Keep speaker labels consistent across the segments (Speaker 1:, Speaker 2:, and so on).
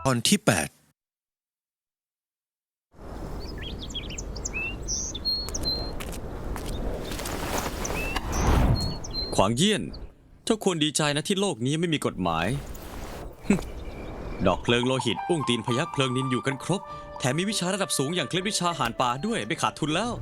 Speaker 1: ตอนที่8
Speaker 2: ขวางเยี่ยนเจ้าควรดีใจนะที่โลกนี้ไม่มีกฎหมาย ดอกเพลิงโลหิตอุ้งตีนพยัคฆ์เพลิงนินอยู่กันครบแถมมีวิชาระดับสูงอย่างเคล็ดวิชาหานป่าด้วยไม่ขาดทุนแล้ว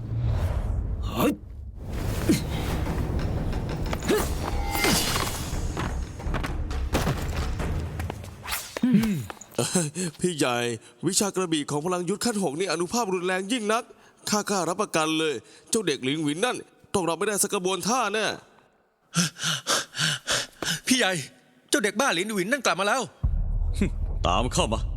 Speaker 3: พี่ใหญ่วิชากระบี่ของพลังยุทธขั้น 6นี่อนุภาพรุนแรงยิ่งนักข้ากล้ารับประกันเลยเจ้าเด็กหลิงหวินนั่นต้องรับไม่ได้สักกระบวนท่าแน่
Speaker 1: พี่ใหญ่เจ้าเด็กบ้าหลินหวินนั่นกลับมาแล้ว
Speaker 2: ตามเข้ามา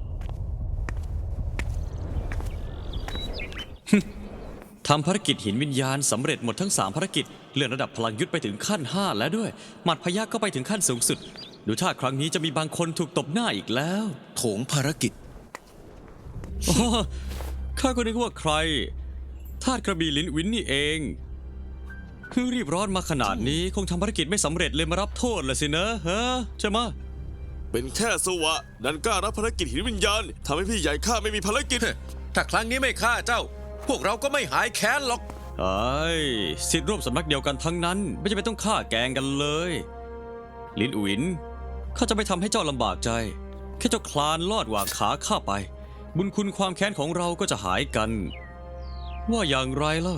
Speaker 2: ทำภารกิจหินวิญญาณสำเร็จหมดทั้ง3ภารกิจเลื่อนระดับพลังยุทธไปถึงขั้น5แล้วด้วยหมัดพยัคฆ์ก็ไปถึงขั้นสูงสุดดูท่าครั้งนี้จะมีบางคนถูกตบหน้าอีกแล้ว
Speaker 1: โถงภารกิจ
Speaker 2: อ๋อข้าก็นึกว่าใครทาสกระบี่ลิ้นวินนี่เองรีบร้อนมาขนาดนี้คงทำภารกิจไม่สำเร็จเลยมารับโทษละสินะฮะใช่ไหมะ
Speaker 3: เป็นแค่สวะดันกล้ารับภารกิจหินวิญญาณทำให้พี่ใหญ่ข้าไม่มีภารกิจ
Speaker 1: ถ้าครั้งนี้ไม่ฆ่าเจ้า พวกเราก็ไม่หายแค้นหรอก
Speaker 2: ไอ้สิทธิ์ร่วมสำนักเดียวกันทั้งนั้นไม่จำเป็นต้องฆ่าแกงกันเลยลินอุ๋นข้าจะไม่ทำให้เจ้าลำบากใจแค่เจ้าคลานลอดหว่างขาข้าไปบุญคุณความแค้นของเราก็จะหายกัน ว่าอย่างไรล่ะ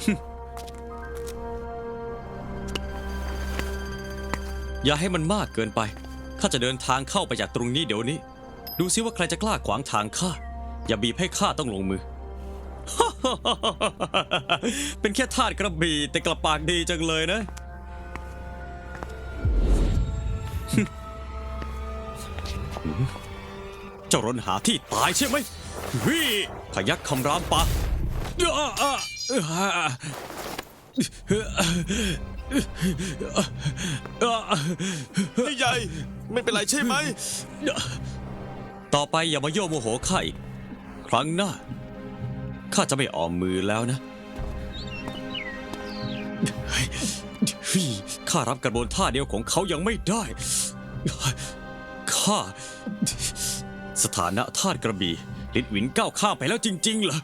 Speaker 2: อย่าให้มันมากเกินไปข้าจะเดินทางเข้าไปจากตรงนี้เดี๋ยวนี้ดูซิว่าใครจะกล้าขวางทางข้าอย่าบีบให้ข้าต้องลงมือ เป็นแค่ทาสกระบี่แต่กลับปากดีจังเลยนะ เจ้ารนหาที่ตายใช่ไหมวิพยัคฆ์คำรามปะ
Speaker 3: พี่ใหญ่ไม่เป็นไรใช่ไหม
Speaker 2: ต่อไปอย่ามาโยโมโหข้าอีกครั้งหน้าข้าจะไม่ออมมือแล้วนะข้ารับกระบวนท่าเดียวของเขายังไม่ได้ข้าสถานะทาสกระบี่ลิ้นหวินก้าวข้ามไปแล้วจริงๆเหรอ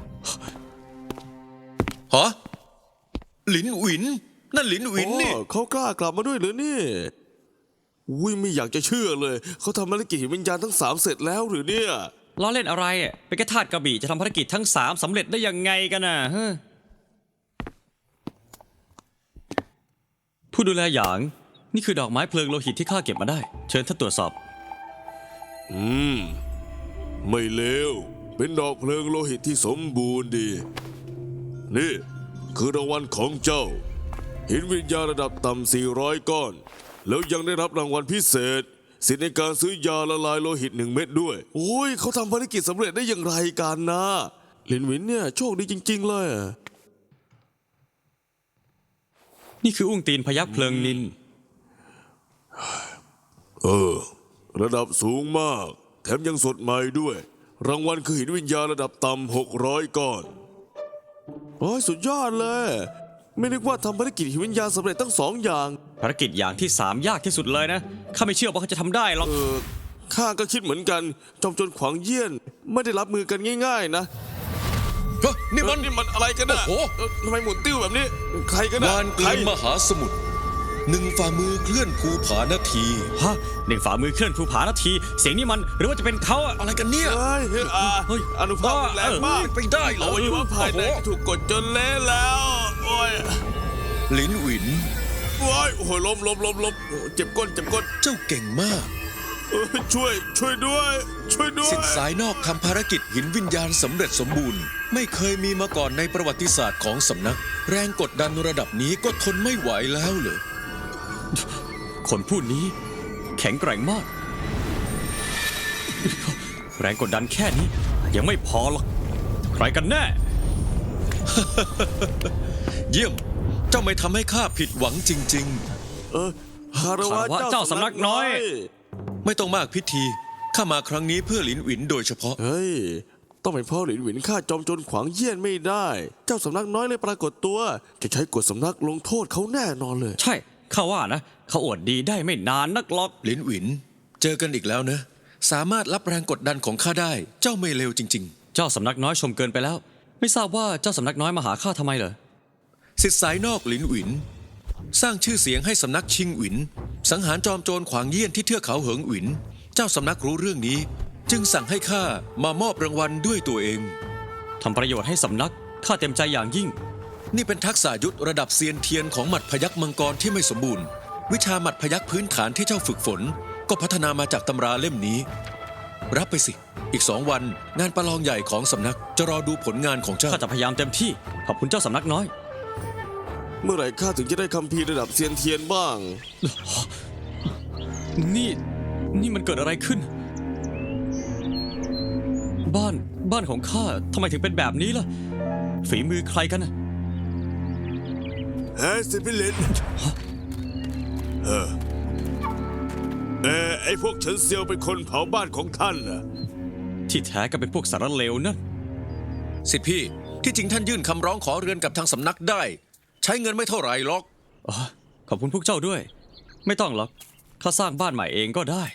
Speaker 1: ฮะหลินหวินนั่นหลินหวินนี่
Speaker 3: อ๋อเขากล้ากลับมาด้วยเหรือนี่อุ้ยไม่อยากจะเชื่อเลยเขาทำภารกิจหินวิญญาณทั้ง3เสร็จแล้วหรือเนี่ย
Speaker 2: ล้อเล่นอะไรอ่ะเป็นแค่ทาสกระบี่จะทำภารกิจทั้ง3สำเร็จได้ยังไงกันน่ะฮะผู้ดูแลหยางนี่คือดอกไม้เพลิงโลหิตที่ข้าเก็บมาได้เชิญท่านตรวจสอบ
Speaker 3: ไม่เลวเป็นดอกเพลิงโลหิตที่สมบูรณ์ดีนี่คือรางวัลของเจ้าหินวิญญาณระดับต่ำ400 ก้อนแล้วยังได้รับรางวัลพิเศษสิทธิในการซื้อยาละลายโลหิต1 เม็ดด้วยโอ้ยเขาทำภารกิจสำเร็จได้อย่างไรกันนะหลินหวินเนี่ยโชคดีจริงๆเลยอะ
Speaker 2: นี่คืออุ้งตีนพยัคฆ์เพลิงนิน
Speaker 3: ระดับสูงมากแถมยังสดใหม่ด้วยรางวัลคือหินวิญญาณระดับต่ำ600 ก้อนโอ้ยสุดยอดเลยไม่นึกว่าทำภารกิจหินวิญญาณสำเร็จทั้ง2 อย่าง
Speaker 2: ภารกิจอย่างที่3ยากที่สุดเลยนะข้าไม่เชื่อว่าเขาจะทำได้หรอก
Speaker 3: ข้าก็คิดเหมือนกันจอมโจรขวางเยี่ยนไม่ได้รับมือกันง่ายๆนะ
Speaker 1: เฮ้ยนี่มัน
Speaker 3: นี่มันอะไรกันนะ
Speaker 1: โอ้โห
Speaker 3: ทำไมหมุนติ้วแบบนี้ ใครกันนะ
Speaker 1: วานเก
Speaker 3: ใคร
Speaker 1: ลือนมหาสมุทร1ฝ่ามือเคลื่อนภูผานาที
Speaker 2: ฮะหนึ่งฝ่ามือเคลื่อนภูผานาที เสียงนี้มันหรือว่าจะเป็นเขาอะ
Speaker 1: อะไรกันเนี่ย
Speaker 3: เฮ้ย
Speaker 2: เฮ้ย
Speaker 3: อนุภาพรุนแรงมาก
Speaker 1: ไปได้เหร
Speaker 3: อ
Speaker 1: อ
Speaker 3: วัยวะภายในถูกกดจนเละแล้วโอ้ย
Speaker 1: หลินหวิน
Speaker 3: โอ้ยโอ้โหล้มโอ้เจ็บก้น
Speaker 1: เจ้าเก่งมาก
Speaker 3: ช่วยด้วยช่วยด้วย
Speaker 1: สิทธิ์สายนอกทำภารกิจหินวิญญาณสำเร็จสมบูรณ์ไม่เคยมีมาก่อนในประวัติศาสตร์ของสำนัก แรงกดดันระดับนี้ก็ทนไม่ไหวแล้วเหรอ
Speaker 2: คนผู้นี้แข็งแกร่งมาก แรงกดดันแค่นี้ยังไม่พอหรอกใครกันแน่
Speaker 1: เยี่ยมเจ้าไม่ทำให้ข้าผิดหวังจริง
Speaker 3: คารวะ
Speaker 2: คารวะเจ้าสำนักน้อย
Speaker 1: ๆ ไม่ต้องมากพิธีข้ามาครั้งนี้เพื่อหลินหวินโดยเฉพาะ
Speaker 3: เฮ้ยต้องเป็นพ่อหลินหวินฆ่าจอมโจรขวางเยี่ยนไม่ได้ เจ้าสำนักน้อยเลยปรากฏตัวจะใช้กฎสำนักลงโทษเขาแน่นอนเลย
Speaker 2: ใช่ข้าว่านะเขาอวดดีได้ไม่นานนักหรอก
Speaker 1: หลินหวินเจอกันอีกแล้วนะสามารถรับแรงกดดันของข้าได้ เจ้าไม่เลวจริง
Speaker 2: เจ้าสำนักน้อยชมเกินไปแล้ว ไม่ทราบว่าเจ้าสำนักน้อยมาหาข้าทำไมเหรอ
Speaker 1: ๆสิทธิสายนอกหลินหวิน สร้างชื่อเสียงให้สำนักชิงหวิน สังหารจอมโจรขวางเยี่ยนที่เทือกเขาเหิงหวิน เจ้าสำนักรู้เรื่องนี้ จึงสั่งให้ข้ามามอบรางวัลด้วยตัวเอง
Speaker 2: ทำประโยชน์ให้สำนักข้าเต็มใจอย่างยิ่ง
Speaker 1: นี่เป็นทักษะยุทธระดับเซียนเทียนของหมัดพยัคฆ์มังกรที่ไม่สมบูรณ์ วิชาหมัดพยัคฆ์พื้นฐานที่เจ้าฝึกฝน ก็พัฒนามาจากตำราเล่มนี้ รับไปสิ อีก2 วันงานประลองใหญ่ของสำนักจะรอดูผลงานของเจ้า
Speaker 2: ข้าจะพยายามเต็มที่ ขอบคุณเจ้าสำนักน้อย
Speaker 3: เมื่อไหร่ข้าถึงจะได้คัมภีร์ระดับเซียนเทียนบ้าง
Speaker 2: นี่มันเกิดอะไรขึ้น บ้านของข้าทำไมถึงเป็นแบบนี้ล่ะ ฝีมือใครกันน่ะ
Speaker 3: เฮ้ยสิพี่ลินไอ้พวกเฉินเซียวเป็นคนเผาบ้านของท่านน่ะ
Speaker 2: ที่แท้ก็เป็นพวกสารเลวนั่น
Speaker 1: สิทธิพี่ที่จริงท่านยื่นคำร้องขอเรือนกับทางสำนักได้ ใช้เงินไม่เท่าไหร่หรอก
Speaker 2: อ๋อขอบคุณพวกเจ้าด้วย ไม่ต้องหรอกข้าสร้างบ้านใหม่เองก็ได้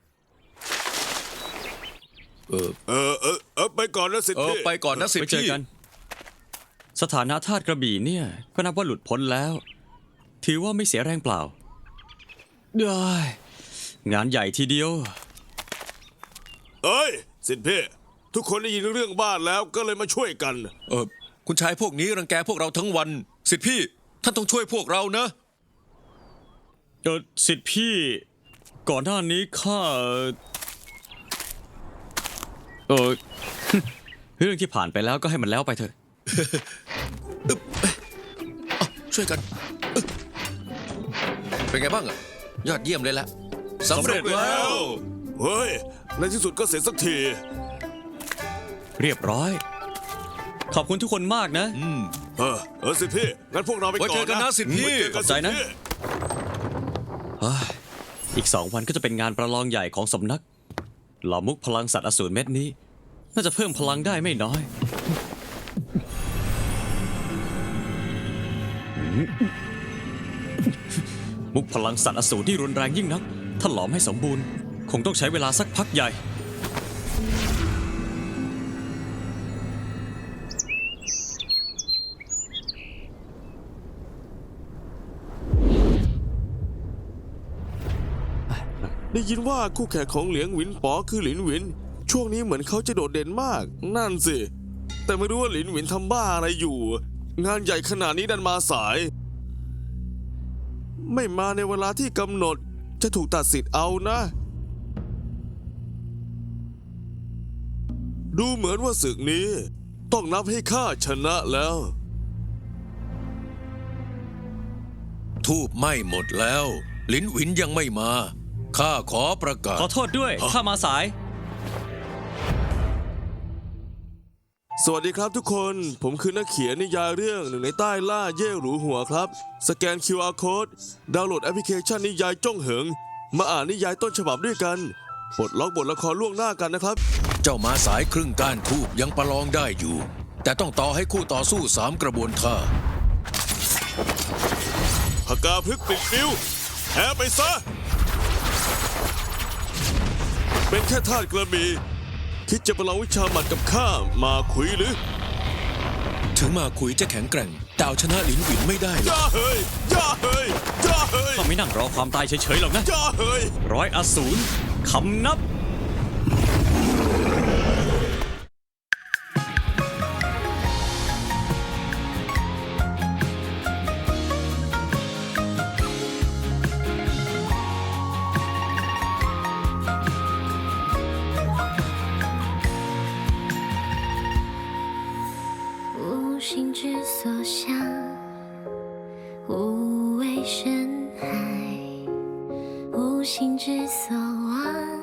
Speaker 3: ไปก่อนนะสิพี่
Speaker 1: ไปก่อนนะสิท
Speaker 2: ไป
Speaker 1: ธิ
Speaker 2: เจอ
Speaker 1: พี่
Speaker 2: กัน สถานะทาสกระบี่เนี่ย ก็นับว่าหลุดพ้นแล้ว ถือว่าไม่เสียแรงเปล่าได้งานใหญ่ทีเดียว
Speaker 3: เอ้ยสิพี่ทุกคนได้ยินเรื่องบ้านแล้วก็เลยมาช่วยกัน
Speaker 1: คุณชายพวกนี้รังแกพวกเราทั้งวัน สิทธิพี่ท่านต้องช่วยพวกเรานะ
Speaker 2: สิทธิพี่ ก่อนหน้านี้ข้า เรื่องที่ผ่านไปแล้วก็ให้มันแล้วไปเถอะ
Speaker 1: ช่วยกันเป็นไงบ้างอะยอดเยี่ยมเลยละสำเร็จแล้ว
Speaker 3: เฮ้ยในที่สุดก็เสร็จสักที
Speaker 2: เรียบร้อย ขอบคุณทุกคนมากนะ
Speaker 3: สิพี่งั้นพวกเราไปก่อน
Speaker 1: ไว้เจอกันนะสิพี่
Speaker 3: ไว้เจอกั
Speaker 2: ขอบใจนะ
Speaker 3: สิพี่
Speaker 2: อีก2 วันก็จะเป็นงานประลองใหญ่ของสำนักเหล่ามุกพลังสัตว์อสูรเม็ดนี้ น่าจะเพิ่มพลังได้ไม่น้อย มุกพลังสัตว์อสูรที่รุนแรงยิ่งนัก ถ้าหลอมให้สมบูรณ์ คงต้องใช้เวลาสักพักใหญ่
Speaker 3: ได้ยินว่าคู่แข่งของเหลียงหวินป๋อคือหลินหวิน ช่วงนี้เหมือนเขาจะโดดเด่นมาก นั่นสิ แต่ไม่รู้ว่าหลินหวินทำบ้าอะไรอยู่ งานใหญ่ขนาดนี้ดันมาสาย ไม่มาในเวลาที่กำหนดจะถูกตัดสิทธิ์เอานะ ดูเหมือนว่าศึกนี้ ต้องนับให้ข้าชนะแล้ว
Speaker 1: ทูบไหม้หมดแล้ว ลิ้นหวินยังไม่มา ข้าขอประกาศ
Speaker 2: ขอโทษด้วย ข้ามาสาย
Speaker 3: สวัสดีครับทุกคน ผมคือนักเขียนนิยายเรื่องหนึ่งในใต้ล่าเย่หรูหัวครับ สแกน QR Code ดาวน์โหลดแอปพลิเคชันนิยายจ้องเหิง มาอ่านนิยายต้นฉบับด้วยกัน ปลดล็อกบทละครล่วงหน้ากันนะครับ
Speaker 1: เจ้ามาสายครึ่งก้านทูบยังประลองได้อยู่ แต่ต้องต่อให้คู่ต่อสู้3 กระบวนท่า
Speaker 3: พกาพึกษ์ปิดฟิวแพ้ไปซะ เป็นแค่ทาสกระบี่คิดจะประลองวิชาหมัดกับข้ามาคุยหรือ
Speaker 1: ถึงมาคุยจะแข็งแกร่งแต่เอาชนะลิ้นหวินไม่ได้หรอก
Speaker 3: ย่าเฮ้ยย่าเฮ้ยย่าเฮ้ย
Speaker 2: ข้าไม่นั่งรอความตายเฉยๆหรอกนะ
Speaker 3: ย่าเฮ้ย
Speaker 2: ร้อยอสูรคำนับ
Speaker 4: 无心之所向，无畏深海；无心之所望，